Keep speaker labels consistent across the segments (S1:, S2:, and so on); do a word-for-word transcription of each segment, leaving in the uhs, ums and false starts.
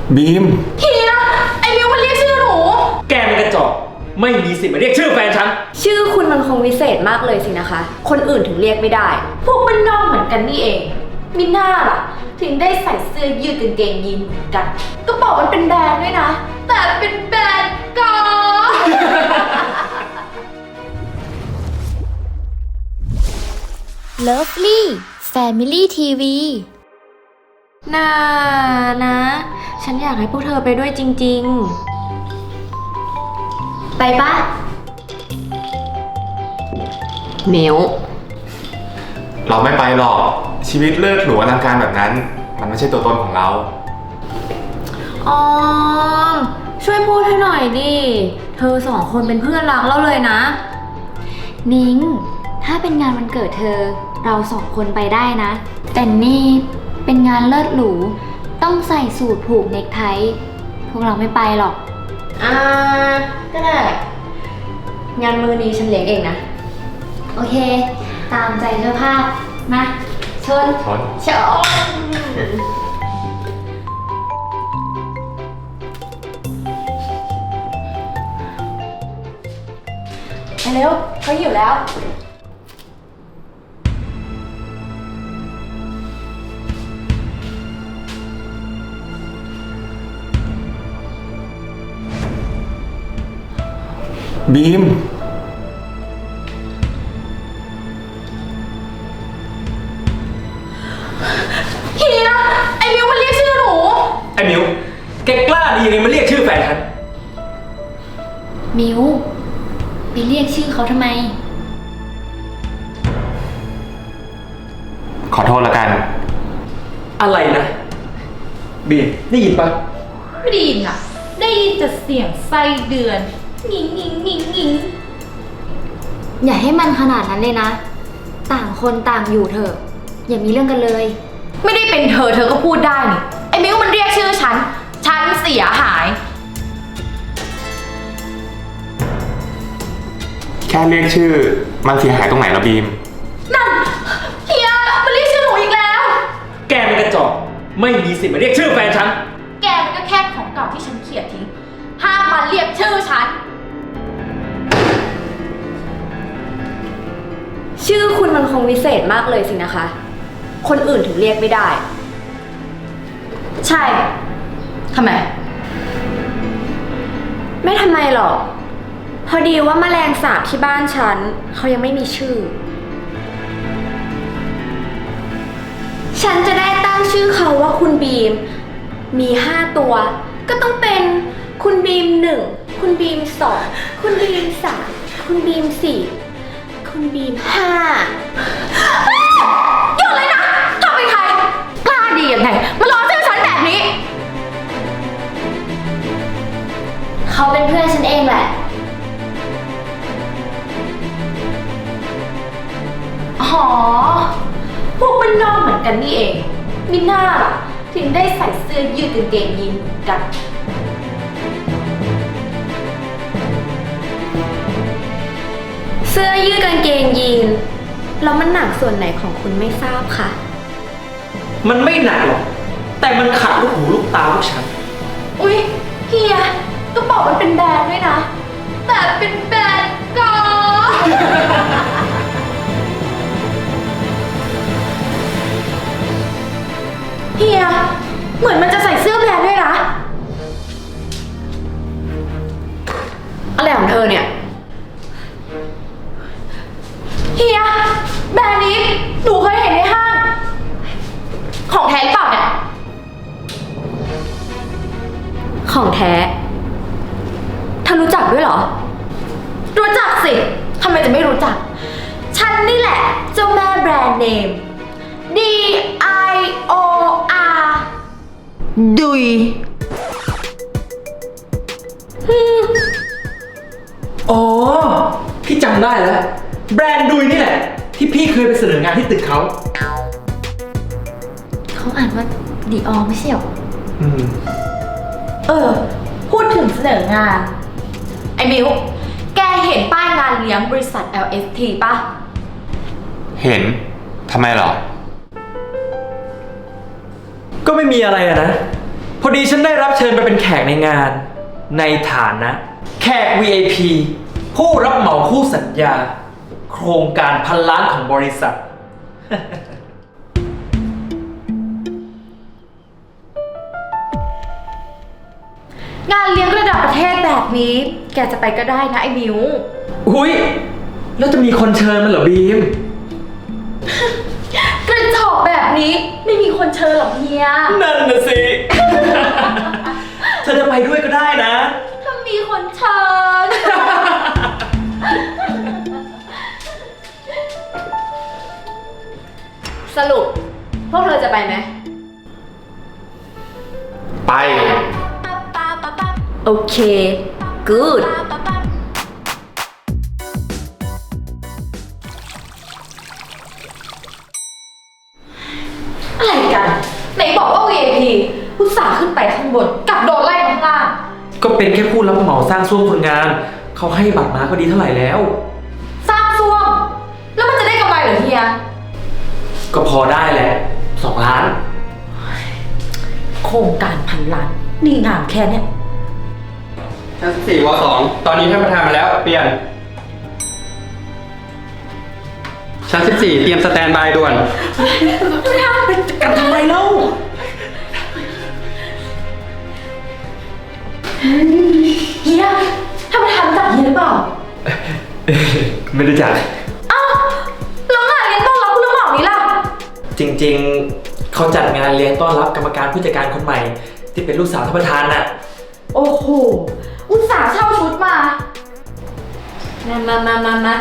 S1: บีม
S2: เฮียไอ้มิวมันเรียกชื่อหนู
S3: แกเป็นกระจอกไม่มีสิทธิ์มาเรียกชื่อแฟนฉัน
S4: ชื่อคุณมันคงวิเศษมากเลยสินะคะคนอื่นถึงเรียกไม่ได้
S2: พวกมันนอกเหมือนกันนี่เองมิน่าล่ะถึงได้ใส่เสื้อยืดกางเกงยีนเหมือนกันก็บอกมันเป็นแบรนด์ด้วยนะแต่เป็นแบรนด์กอ
S5: เลิฟลี่แฟมิลี่ทีวี
S4: น่านะฉันอยากให้พวกเธอไปด้วยจริงๆไปปะเหมียว
S1: เราไม่ไปหรอกชีวิตเลิศหรูอลังการแบบนั้นมันไม่ใช่ตัวตนของเรา
S4: ออมช่วยพูดให้หน่อยดิเธอสองคนเป็นเพื่อนรักเราเลยนะ
S5: นิ้งถ้าเป็นงานวันเกิดเธอเราสองคนไปได้นะแต่นี่เป็นงานเลิศหรูต้องใส่สูทผูกเนคไทพวกเราไม่ไปหรอก
S4: อ่าก็ได้งานมือนี้ฉันเลี้ยงเองนะ
S5: โอเคตามใจเจ้าภาพมาชน
S1: ชน
S4: ชนไปเร็วเขาหิวแล้ว
S1: บีม
S2: เฮียไอ้มิวมันเรียกชื่อหนู
S3: ไอ้มิวแกกล้าดียังไงมาเรียกชื่อแฟนฉัน
S5: มิวไปเรียกชื่อเขาทำไม
S1: ขอโทษละกัน
S3: อะไรนะบีมได้ยินปะ
S2: ไม่ได้ยินอะได้ยินแต่เสียงไส้เดือนงิงงิงงิงงิง
S5: อย่าให้มันขนาดนั้นเลยนะต่างคนต่างอยู่เถอะอย่ามีเรื่องกันเลย
S2: ไม่ได้เป็นเธอเธอก็พูดได้นี่ไอ้มิวมันเรียกชื่อฉันฉันเสียหาย
S1: แค่เรียกชื่อมันเสียหายตรงไหนละบีม
S2: นั่นเฮียมันเรียกชื่อหนูอีกแล้ว
S3: แกเป็นกระจอกไม่มีสิทธิ์มาเรียกชื่อแฟนฉัน
S2: แกมันก็แค่ของเก่าที่ฉันเขี่ยทิ้งห้ามมาเรียกชื่อฉัน
S4: ชื่อคุณมันคงวิเศษมากเลยสินะคะคนอื่นถึงเรียกไม่ได้
S2: ใช่ทำไม
S4: ไม่ทำไมหรอกพอดีว่าแมลงสาบที่บ้านฉันเขายังไม่มีชื่อฉันจะได้ตั้งชื่อเขาว่าคุณบีมมีห้าตัวก็ต้องเป็นคุณบีมหนึ่งคุณบีมสองคุณบีมสามคุณบีมสี่คุณบีมห้า
S2: หยุดเลยนะเธอเป็นใครกล้าดียังไงมาล้อชื่อฉันแบบนี้
S5: เขาเป็นเพื่อนฉันเองแหละ
S2: อ๋อพวกมันนอกเหมือนกันนี่เองมิน่าล่ะถึงได้ใส่เสื้อยืดกางเกงยีนเหมือนกัน
S4: เสื้อยืดกางเกงยีนแล้วมันหนักส่วนไหนของคุณไม่ทราบค่ะ
S3: มันไม่หนักหรอกแต่มันขัดลูกหูลูกตาพวกฉัน
S2: อุ๊ยเฮียก็บอกมันเป็นแบรนด์ด้วยนะแต่เป็นแบรนด์กอเฮียเหมือนมันจะใส่เสื้อแบรนด์ด้วยนะ
S4: อะไรของเธอเนี่ย
S2: เฮียแบรนด์นี้หนูเคยเห็นในห้างของแท้หรือเปล่าเนี่ย
S4: ของแท้เธอรู้จักด้วยเหรอ
S2: รู้จักสิทำไมจะไม่รู้จักฉันนี่แหละเจ้าแม่แบรนด์เนม D I O R ดุย
S3: อ๋อพี่จำได้แล้วแบรนด์ดุยนี่แหละที่พี่เคยไปเสนองานที่ตึกเขา
S5: เขาอ่านว่าดีออไม่ใช่หรอ
S3: อืม
S2: เออพูดถึงเสนองานไอ้มิวแกเห็นป้ายงานเลี้ยงบริษัท แอล เอส ที ป่ะ
S1: เห็นทำไมหรอ
S3: ก็ไม่มีอะไรอะนะพอดีฉันได้รับเชิญไปเป็นแขกในงาน ในฐานะ แขก วี ไอ พี ผู้รับเหมาคู่สัญญา โครงการพันล้านของบริษัท
S2: งานเลี้ยงระดับประเทศแบบนี้ แกจะไปก็ได้นะไอ้มิว
S3: อุ้ยแล้วจะมีคนเชิญมันเหรอบีม
S2: กระจอกแบบนี้ไม่มีคนเชิญหรอกเฮีย
S3: นั่นน่ะสิ เธอจะไปด้วยก็ได้นะ
S2: ถ้ามีคนเชิญ สรุป พวกเธอจะไปไหม
S1: ไป
S2: โอเค good อะไรกัน ไหนบอกว่า วี ไอ พี อุตส่าห์ขึ้นไปข้างบนกลับโดนไล่ข้างล่าง
S3: ก็เป็นแค่ผู้รับเหมาสร้างซ่วมคนงาน เขาให้บัตรมาก็ดีเท่าไหร่แล้ว
S2: สร้างซ่วม แล้วมันจะได้กำไรเหรอเฮีย
S3: ก็พอได้แหละสองล้าน
S2: โครงการพันล้าน นี่งานแค่เนี้ย
S6: ชั้นสี่วสองตอนนี้ท่านประธานมาแล้ว เปลี่ยน ชั้นสิบสี่เตรียมสแตนบายด่วน
S3: กันทำไมเล่า
S2: เฮียถ้าประธานรู้จักเฮียหรือเปล่า
S3: ไม่รู้จัก
S2: อ้าวแล้วงานเลี้ยงต้อนรับผู้รับเหมานี้ล่ะ
S3: จริงๆ เขาจัดงานเลี้ยงต้อนรับกรรมการผู้จัดการคนใหม่ ที่เป็นลูกสาวท่านประธานน่ะ
S2: โอ้โห อุตส่าห์เช่าชุดมา มามามามามา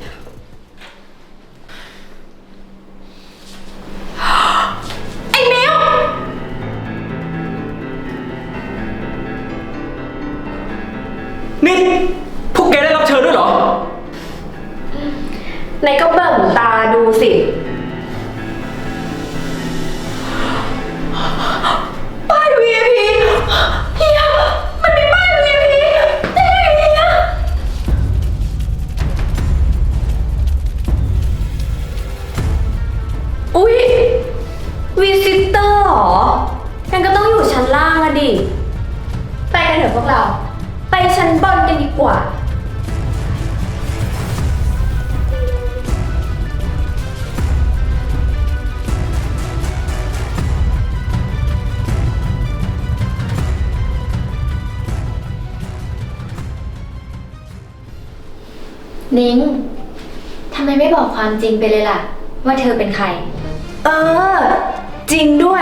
S2: ไอ้มิว
S3: นี่พวกแกได้รับเชิญด้วยเหรอ
S2: ไหนก็เบิ่งตาดูสิป้าย วี ไอ พี เฮียมันมีป้าย วี ไอ พี ได้ไงเฮียอุ๊ยวิซิเตอร์เหรองั้นก็ต้องอยู่ชั้นล่างอะดิ ไปกันเถอะพวกเรา ไปชั้นบนกันดีกว่า
S5: นิ้งทำไมไม่บอกความจริงไปเลยล่ะ ว่าเธอเป็นใคร
S2: เออ จริงด้วย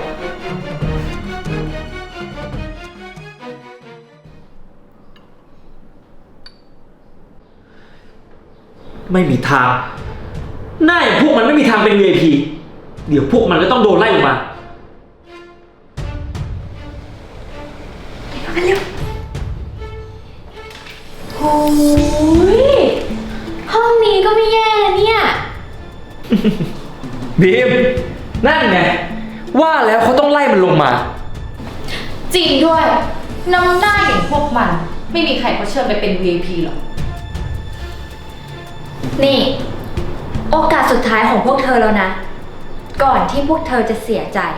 S3: ไม่มีทางหน้าอย่างพวกมันไม่มีทางเป็น วี ไอ พี เดี๋ยวพวกมันก็ต้องโดนไล่ออกมา
S5: โอ้ยห้องนี้ก็ไม่แย่นะเนี่ย
S3: บีม นั่นไง ว่าแล้วเขาต้องไล่มันลงมา
S2: จริงด้วย น้ำหน้าอย่างพวกมัน ไม่มีใครเขาเชิญไปเป็น วี ไอ พี หรอก
S5: นี่ โอกาสสุดท้ายของพวกเธอแล้วนะ ก่อนที่พวกเธอจะเสียใจ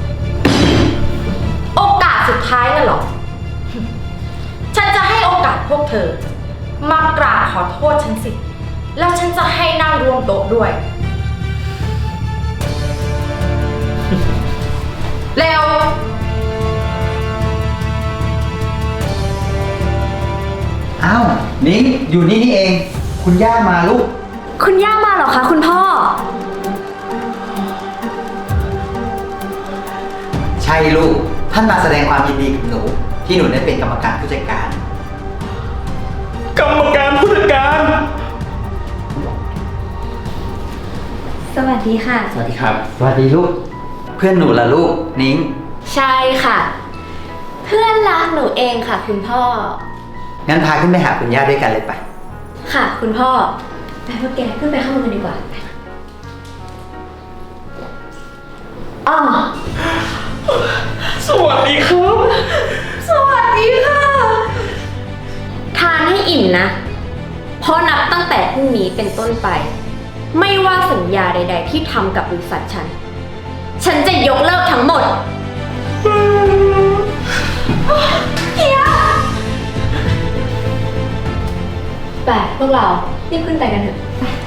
S2: โอกาสสุดท้ายน่ะเหรอ ฉันจะให้โอกาสพวกเธอ มากราบขอโทษฉันสิ แล้วฉันจะให้นั่งรวมโต๊ะด้วย เร็ว
S7: อ้าว นิ้งอยู่นี่นี่เอง คุณย่ามาลูก
S4: คุณย่ามาเหรอคะคุณพ่อ
S7: ใช่ลูก ท่านมาแสดงความยินดีกับหนู ที่หนูได้เป็นกรรมการผู้จัดการ
S3: กรรมการผู้จัดการ
S5: สวัสดีค่ะ
S1: สวัสดีครับ
S7: สวัสดีลูก เพื่อนหนูล่ะลูก นิ้ง
S4: ใช่ค่ะ เพื่อนรักหนูเองค่ะ คุณพ่อ
S7: งั้นพาขึ้นไปหาคุณย่าด้วยกันเลยไป
S4: ค่ะ คุณพ่อไปพวกแกขึ้นไปข้างบนกันดีกว่าอ๋อ
S3: สวัสดีครับ
S2: สวัสดีค่ะ
S4: ทานให้อิ่มนะ เพราะนับตั้งแต่พรุ่งนี้เป็นต้นไป ไม่ว่าสัญญาใด ๆ ที่ทำกับบริษัทฉัน ฉันจะยกเลิกทั้งหมด
S2: ไปพวกเรารีบขึ้นไปกันเถอะ ไป